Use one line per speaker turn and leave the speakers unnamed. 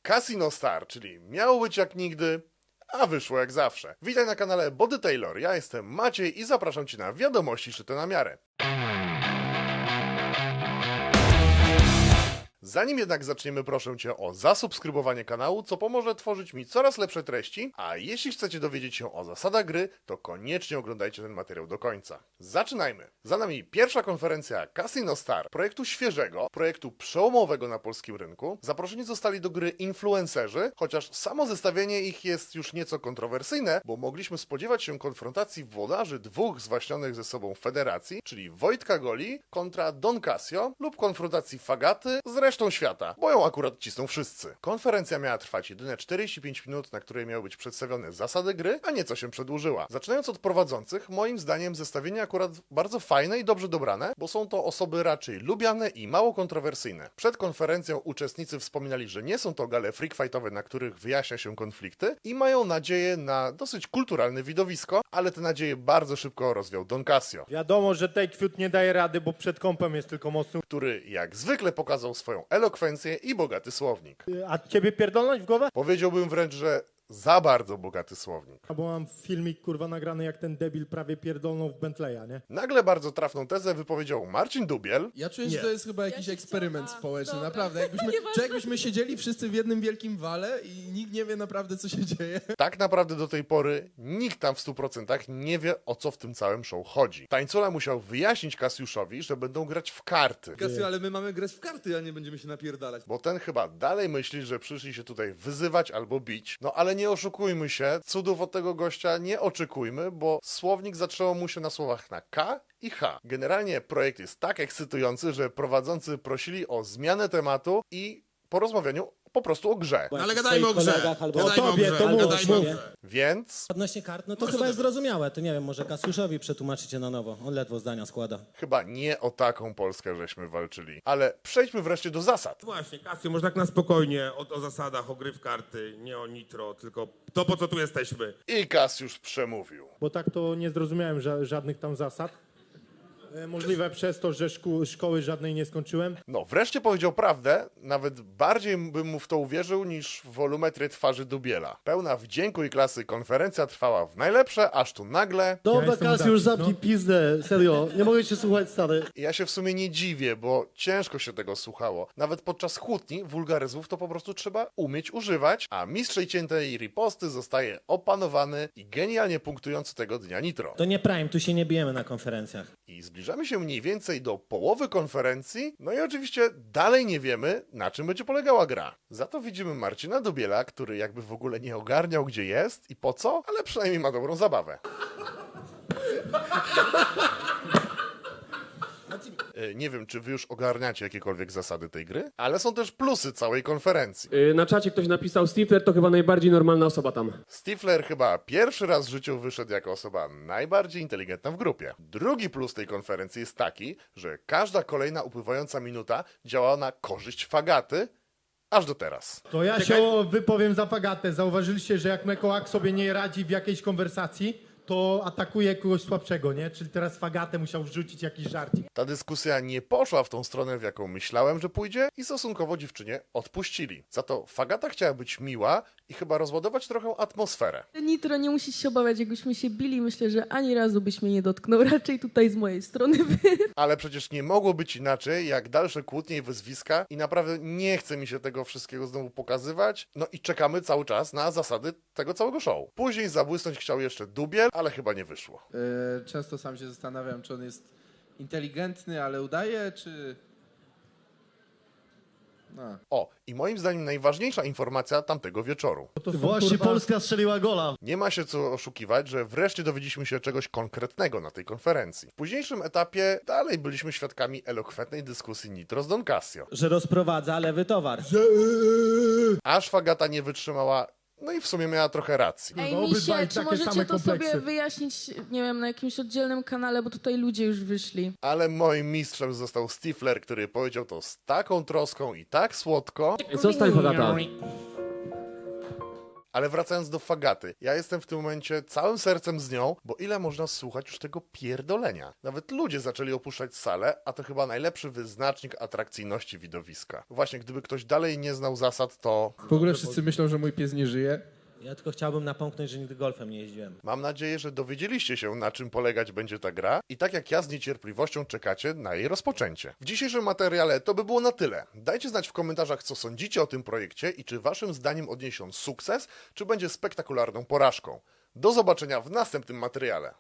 Casino Star, czyli miało być jak nigdy, a wyszło jak zawsze. Witaj na kanale Body Taylor, ja jestem Maciej i zapraszam Cię na wiadomości szyte na miarę. Zanim jednak zaczniemy, proszę Cię o zasubskrybowanie kanału, co pomoże tworzyć mi coraz lepsze treści, a jeśli chcecie dowiedzieć się o zasadach gry, to koniecznie oglądajcie ten materiał do końca. Zaczynajmy! Za nami pierwsza konferencja Casino Star, projektu świeżego, projektu przełomowego na polskim rynku. Zaproszeni zostali do gry influencerzy, chociaż samo zestawienie ich jest już nieco kontrowersyjne, bo mogliśmy spodziewać się konfrontacji włodarzy dwóch zwaśnionych ze sobą federacji, czyli Wojtka Goli kontra Don Casio, lub konfrontacji Fagaty z resztą świata, bo ją akurat cisną wszyscy. Konferencja miała trwać jedyne 45 minut, na której miały być przedstawione zasady gry, a nieco się przedłużyła. Zaczynając od prowadzących, moim zdaniem zestawienie akurat bardzo fajne i dobrze dobrane, bo są to osoby raczej lubiane i mało kontrowersyjne. Przed konferencją uczestnicy wspominali, że nie są to gale freakfightowe, na których wyjaśnia się konflikty i mają nadzieję na dosyć kulturalne widowisko, ale te nadzieje bardzo szybko rozwiał Don Casio,
Wiadomo, że Takefield nie daje rady, bo przed kąpem jest tylko mocny.
który jak zwykle pokazał swoją elokwencję i bogaty słownik.
A ciebie pierdolnąć w głowę?
Powiedziałbym wręcz, że za bardzo bogaty słownik.
Bo mam filmik kurwa nagrany, jak ten debil prawie pierdolnął w Bentleya, nie?
Nagle bardzo trafną tezę wypowiedział Marcin Dubiel.
Ja czuję,
Nie.
że to jest chyba jakiś
się
eksperyment
chciałam-
społeczny,
dobra.
naprawdę. Jakbyśmy siedzieli wszyscy w jednym wielkim wale i nikt nie wie naprawdę, co się dzieje.
Tak naprawdę do tej pory nikt tam w 100% nie wie, o co w tym całym show chodzi. Tańcula musiał wyjaśnić Kasiuszowi, że będą grać w karty,
Kasiu, ale my mamy grać w karty, a nie będziemy się napierdalać.
bo ten chyba dalej myśli, że przyszli się tutaj wyzywać albo bić. No ale nie oszukujmy się, cudów od tego gościa nie oczekujmy, bo słownik zatrzymał mu się na słowach na K i H. Generalnie projekt jest tak ekscytujący, że prowadzący prosili o zmianę tematu i porozmawianiu po prostu o grze.
No
ale gadajmy o grze.
O tobie, to mów, mów.
Więc
Odnośnie kart, no to chyba jest zrozumiałe. To nie wiem, może Kasiuszowi przetłumaczycie na nowo. On ledwo zdania składa.
chyba nie o taką Polskę żeśmy walczyli. Ale przejdźmy wreszcie do zasad.
Właśnie, Kasio, może tak na spokojnie o zasadach, o gry w karty, nie o nitro, tylko to, po co tu jesteśmy.
I Kasiusz przemówił.
Bo tak to nie zrozumiałem żadnych tam zasad. Możliwe przez to, że szkoły żadnej nie skończyłem.
No, wreszcie powiedział prawdę, nawet bardziej bym mu w to uwierzył niż w wolumetrię twarzy Dubiela. Pełna wdzięku i klasy konferencja trwała w najlepsze, aż tu nagle...
Dobra,
jestem
Kas, już
taki,
zamknij pizdę, serio. Nie mogę cię słuchać, stary.
Ja się w sumie nie dziwię, bo ciężko się tego słuchało. Nawet podczas kłótni wulgaryzmów to po prostu trzeba umieć używać, a mistrzej ciętej riposty zostaje opanowany i genialnie punktujący tego dnia Nitro.
To nie Prime, tu się nie bijemy na konferencjach.
I zbliżamy się mniej więcej do połowy konferencji, no i oczywiście dalej nie wiemy, na czym będzie polegała gra. Za to widzimy Marcina Dubiela, który jakby w ogóle nie ogarniał, gdzie jest i po co, ale przynajmniej ma dobrą zabawę. Nie wiem, czy wy już ogarniacie jakiekolwiek zasady tej gry, ale są też plusy całej konferencji.
Na czacie ktoś napisał Stifler to chyba najbardziej normalna osoba tam.
Stifler chyba pierwszy raz w życiu wyszedł jako osoba najbardziej inteligentna w grupie. Drugi plus tej konferencji jest taki, że każda kolejna upływająca minuta działa na korzyść Fagaty, aż do teraz.
To ja się wypowiem za Fagatę. Zauważyliście, że jak Mekołak sobie nie radzi w jakiejś konwersacji, to atakuje kogoś słabszego, nie? Czyli teraz Fagatę musiał wrzucić jakiś żarcik.
Ta dyskusja nie poszła w tą stronę, w jaką myślałem, że pójdzie i stosunkowo dziewczynie odpuścili. Za to Fagata chciała być miła i chyba rozładować trochę atmosferę.
Nitro, nie musisz się obawiać, jakbyśmy się bili, myślę, że ani razu byś mnie nie dotknął, raczej tutaj z mojej strony.
Ale przecież nie mogło być inaczej, jak dalsze kłótnie i wyzwiska i naprawdę nie chce mi się tego wszystkiego znowu pokazywać. No i czekamy cały czas na zasady tego całego show. Później zabłysnąć chciał jeszcze Dubiel, ale chyba nie wyszło.
Często sam się zastanawiam, czy on jest inteligentny, ale udaje, czy... No.
O, i moim zdaniem najważniejsza informacja tamtego wieczoru.
To są,
Właśnie
kurwa,
Polska strzeliła gola.
Nie ma się co oszukiwać, że wreszcie dowiedzieliśmy się czegoś konkretnego na tej konferencji. W późniejszym etapie dalej byliśmy świadkami elokwentnej dyskusji Nitro z Don Casio.
Że rozprowadza lewy towar.
Aż Fagata nie wytrzymała, no i w sumie miała trochę racji.
Ej,
obydwaj
misie, czy
takie
możecie
same
to sobie
kompleksy.
wyjaśnić, nie wiem, na jakimś oddzielnym kanale, bo tutaj ludzie już wyszli.
Ale moim mistrzem został Stifler, który powiedział to z taką troską i tak słodko,
Zostań Fagata.
Ale wracając do Fagaty, ja jestem w tym momencie całym sercem z nią, bo ile można słuchać już tego pierdolenia. Nawet ludzie zaczęli opuszczać salę, a to chyba najlepszy wyznacznik atrakcyjności widowiska. Właśnie, gdyby ktoś dalej nie znał zasad, to
W ogóle wszyscy myślą, że mój pies nie żyje.
Ja tylko chciałbym napomknąć, że nigdy golfem nie jeździłem.
mam nadzieję, że dowiedzieliście się, na czym polegać będzie ta gra i tak jak ja z niecierpliwością czekacie na jej rozpoczęcie. W dzisiejszym materiale to by było na tyle. Dajcie znać w komentarzach, co sądzicie o tym projekcie i czy waszym zdaniem odniesie on sukces, czy będzie spektakularną porażką. Do zobaczenia w następnym materiale.